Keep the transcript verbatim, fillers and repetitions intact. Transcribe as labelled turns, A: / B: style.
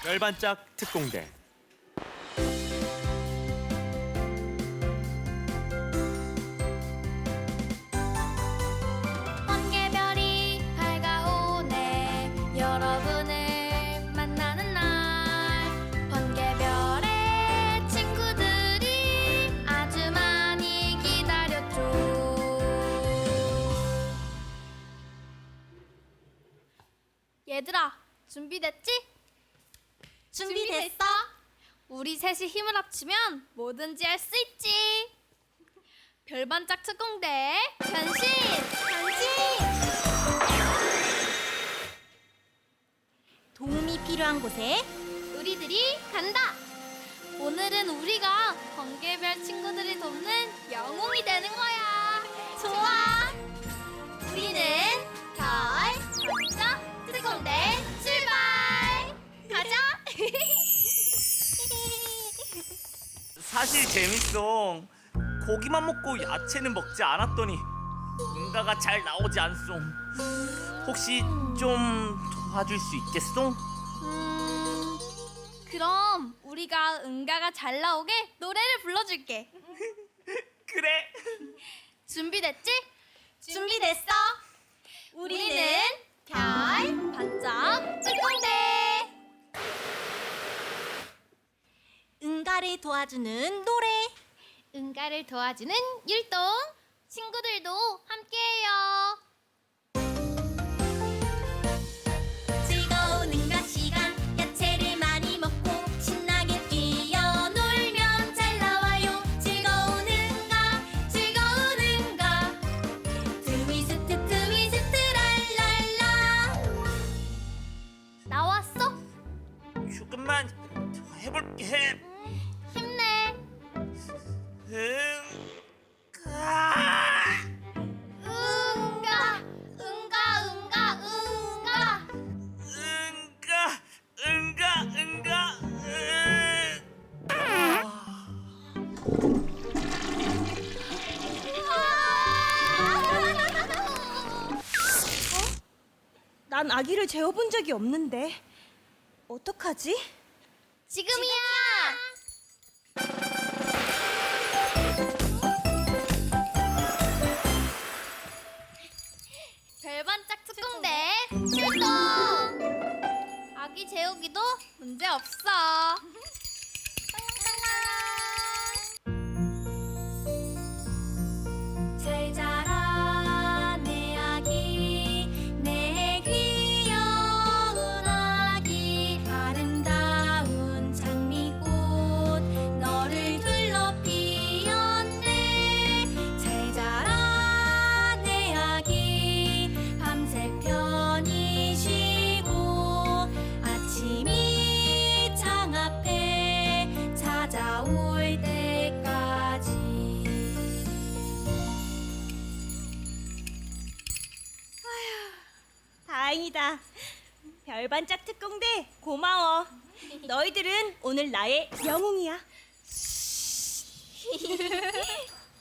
A: 열반짝 특공대.
B: 번개별이 밝아오네. 여러분을 만나는 날. 번개별의 친구들이 아주 많이 기다렸죠. 얘들아, 준비됐지?
C: 준비됐어?
B: 우리 셋이 힘을 합치면 뭐든지 할 수 있지. 별반짝 특공대 변신!
C: 변신! 도움이 필요한 곳에
B: 우리들이 간다. 오늘은 우리가 번개별 친구들을 돕는 영웅이 되는 거야.
C: 좋아!
B: 우리는 별반짝 특공대 출발! 가자!
D: 사실 재밌어. 고기만 먹고 야채는 먹지 않았더니 응가가 잘 나오지 않소. 혹시 좀 도와줄 수 있겠소?
B: 음, 그럼 우리가 응가가 잘 나오게 노래를 불러줄게.
D: 그래.
B: 준비됐지?
C: 준비됐어?
B: 우리는 별 반짝 특공대.
C: 응가를 도와주는 노래.
B: 응가를 도와주는 율동. 친구들도 함께해요.
C: 즐거운 응가 시간, 야채를 많이 먹고 신나게 뛰어놀면 잘 나와요. 즐거운 응가, 즐거운 응가. 트위스트 트위스트 랄랄라.
B: 나왔어?
D: 조금만 더 해볼게.
B: 힘내.
D: 응가.
B: 응가, 응가, 응가, 응가.
D: 응가. 응가. 응가. 응. 아.
C: 난 아기를 재워본 적이 없는데 어떡하지?
B: 지금이야. 별반짝 특공대 출동. 아기 재우기도 문제 없어.
C: 잘 자라 내 아기, 내 귀여운 아기. 아름다운 장미꽃 너를 둘러 피었네. 잘 자라 내 아기, 밤새 편히 쉬고 아침이 창 앞에 찾아올 때까지. 다행이다. 별반짝 특공대 고마워. 너희들은 오늘 나의 영웅이야.